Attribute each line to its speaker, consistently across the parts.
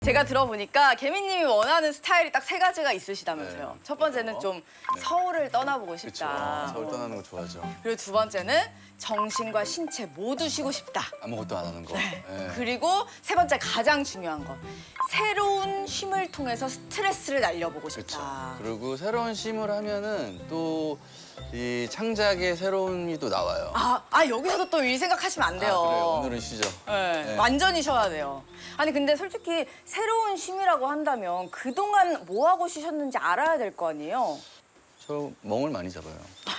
Speaker 1: 제가 들어보니까 개미님이 원하는 스타일이 딱 3가지가 있으시다면서요.
Speaker 2: 네.
Speaker 1: 첫 번째는 좀 서울을 떠나보고
Speaker 2: 그쵸.
Speaker 1: 싶다.
Speaker 2: 서울 떠나는 거 좋아하죠.
Speaker 1: 그리고 두 번째는 정신과 신체 모두 쉬고 싶다.
Speaker 2: 아무것도 안 하는 거. 네.
Speaker 1: 그리고 세 번째 가장 중요한 거. 새로운 쉼을 통해서 스트레스를 날려보고
Speaker 2: 그렇죠.
Speaker 1: 싶다.
Speaker 2: 그리고 새로운 쉼을 하면은 또 이 창작의 새로움이 또 나와요.
Speaker 1: 여기서도 또 일 생각하시면 안 돼요.
Speaker 2: 그래요. 오늘은 쉬죠.
Speaker 1: 네,
Speaker 2: 네.
Speaker 1: 완전히 쉬어야 돼요. 아니 근데 솔직히 새로운 쉼이라고 한다면 그동안 뭐 하고 쉬셨는지 알아야 될 거 아니에요?
Speaker 2: 저 멍을 많이 잡아요.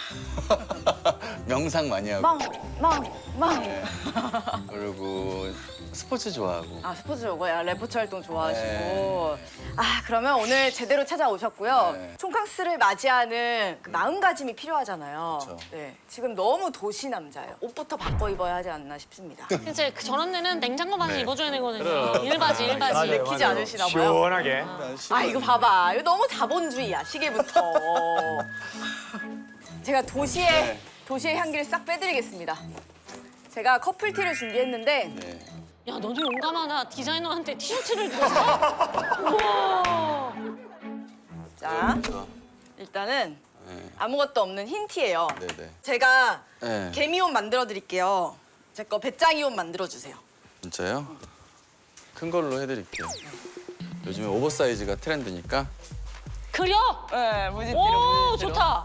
Speaker 2: 명상 많이 하고.
Speaker 1: 망.
Speaker 2: 네. 그리고 스포츠 좋아하고.
Speaker 1: 스포츠 요거야. 레포츠 활동 좋아하시고.
Speaker 2: 네.
Speaker 1: 그러면 오늘 제대로 찾아오셨고요.
Speaker 2: 네.
Speaker 1: 촌캉스를 맞이하는 그 마음가짐이 필요하잖아요.
Speaker 2: 그쵸.
Speaker 1: 네. 지금 너무 도시 남자예요. 옷부터 바꿔 입어야 하지 않나 싶습니다.
Speaker 3: 이제 저런 데는 냉장고 바지
Speaker 2: 네.
Speaker 3: 입어줘야 되거든요. 일바지.
Speaker 1: 내키지 않으시나 봐요.
Speaker 4: 시원하게.
Speaker 1: 이거 봐봐. 이거 너무 자본주의야, 시계부터. 제가 도시의 향기를 싹 빼드리겠습니다. 제가 커플티를 준비했는데
Speaker 2: 네.
Speaker 3: 야, 너도 용감하다. 디자이너한테 티셔츠를 줬어? 우와.
Speaker 1: 자,
Speaker 2: 그렇죠.
Speaker 1: 일단은
Speaker 2: 네.
Speaker 1: 아무것도 없는 흰 티예요.
Speaker 2: 네네.
Speaker 1: 제가
Speaker 2: 네.
Speaker 1: 개미옷 만들어 드릴게요. 제 거 배짱이 옷 만들어 주세요.
Speaker 2: 진짜요? 큰 걸로 해드릴게요. 요즘에 오버사이즈가 트렌드니까.
Speaker 3: 그려?
Speaker 1: 네, 무지티로.
Speaker 3: 오, 좋다.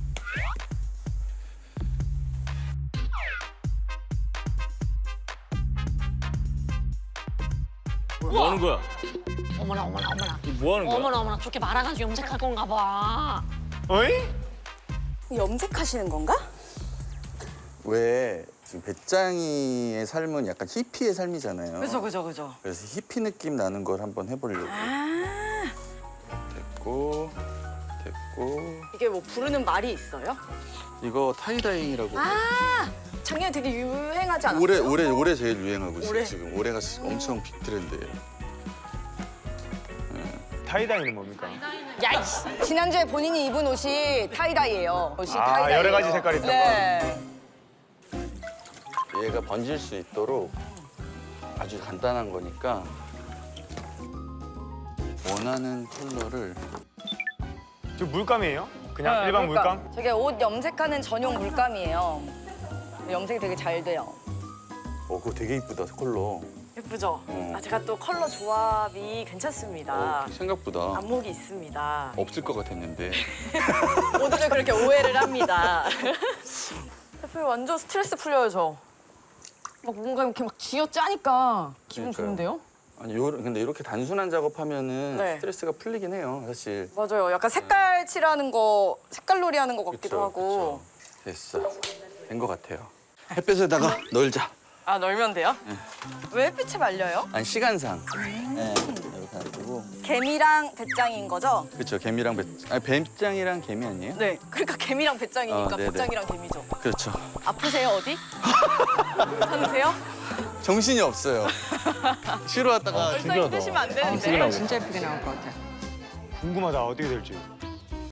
Speaker 4: 뭐 하는 거야?
Speaker 3: 어머나.
Speaker 4: 뭐 하는 거야?
Speaker 3: 어머나. 저렇게 말아가지고 염색할 건가 봐.
Speaker 4: 어이?
Speaker 1: 염색하시는 건가?
Speaker 2: 왜 지금 배짱이의 삶은 약간 히피의 삶이잖아요.
Speaker 1: 그죠.
Speaker 2: 그래서 히피 느낌 나는 걸 한번 해보려고. 됐고.
Speaker 1: 이게 뭐 부르는 말이 있어요?
Speaker 2: 이거 타이다잉이라고.
Speaker 1: 작년에 되게 유행하지 않았어요?
Speaker 2: 올해 제일 유행하고 있어요.
Speaker 1: 올해?
Speaker 2: 지금 올해가 엄청 빅 트렌드예요.
Speaker 4: 타이다이는 뭡니까?
Speaker 3: 야, 이씨.
Speaker 1: 지난주에 본인이 입은 옷이 타이다이예요. 옷이 타이다이예요.
Speaker 4: 여러 가지 색깔이 있던
Speaker 1: 네.
Speaker 2: 얘가 번질 수 있도록 아주 간단한 거니까 원하는 컬러를
Speaker 4: 저 물감이에요? 그냥 일반 물감?
Speaker 1: 저게 옷 염색하는 전용 물감이에요. 염색이 되게 잘 돼요.
Speaker 2: 그거 되게 이쁘다 컬러.
Speaker 1: 예쁘죠?
Speaker 2: 어.
Speaker 1: 제가 또 컬러 조합이 괜찮습니다.
Speaker 2: 생각보다
Speaker 1: 안목이 있습니다.
Speaker 2: 없을 것 같았는데.
Speaker 1: 모두들 그렇게 오해를 합니다. 대표 완전 스트레스 풀려요, 저. 막 뭔가 이렇게 막 쥐어짜니까 기분
Speaker 2: 그러니까요.
Speaker 1: 좋은데요?
Speaker 2: 아니 근데 이렇게 단순한 작업하면은
Speaker 1: 네.
Speaker 2: 스트레스가 풀리긴 해요 사실.
Speaker 1: 맞아요. 약간 색깔 칠하는 거, 색깔놀이 하는 것 같기도
Speaker 2: 그쵸,
Speaker 1: 하고.
Speaker 2: 그쵸. 됐어. 된 것 같아요. 햇볕에다가 널자.
Speaker 1: 널면 돼요? 왜 햇빛에 말려요?
Speaker 2: 아니 시간상. 네, 이렇게 놔두고.
Speaker 1: 개미랑 배짱인 거죠?
Speaker 2: 그렇죠. 개미랑 뱀장이랑 개미 아니에요?
Speaker 1: 네. 그러니까 개미랑 배짱이니까
Speaker 2: 네네.
Speaker 1: 배짱이랑 개미죠.
Speaker 2: 그렇죠.
Speaker 1: 아프세요, 어디? 괜찮으세요?
Speaker 2: 정신이 없어요. 쉬러 왔다가
Speaker 1: 벌써 힘드시면 안 되는데.
Speaker 5: 진짜 예쁘게 나올 것 같아.
Speaker 4: 궁금하다, 어떻게 될지.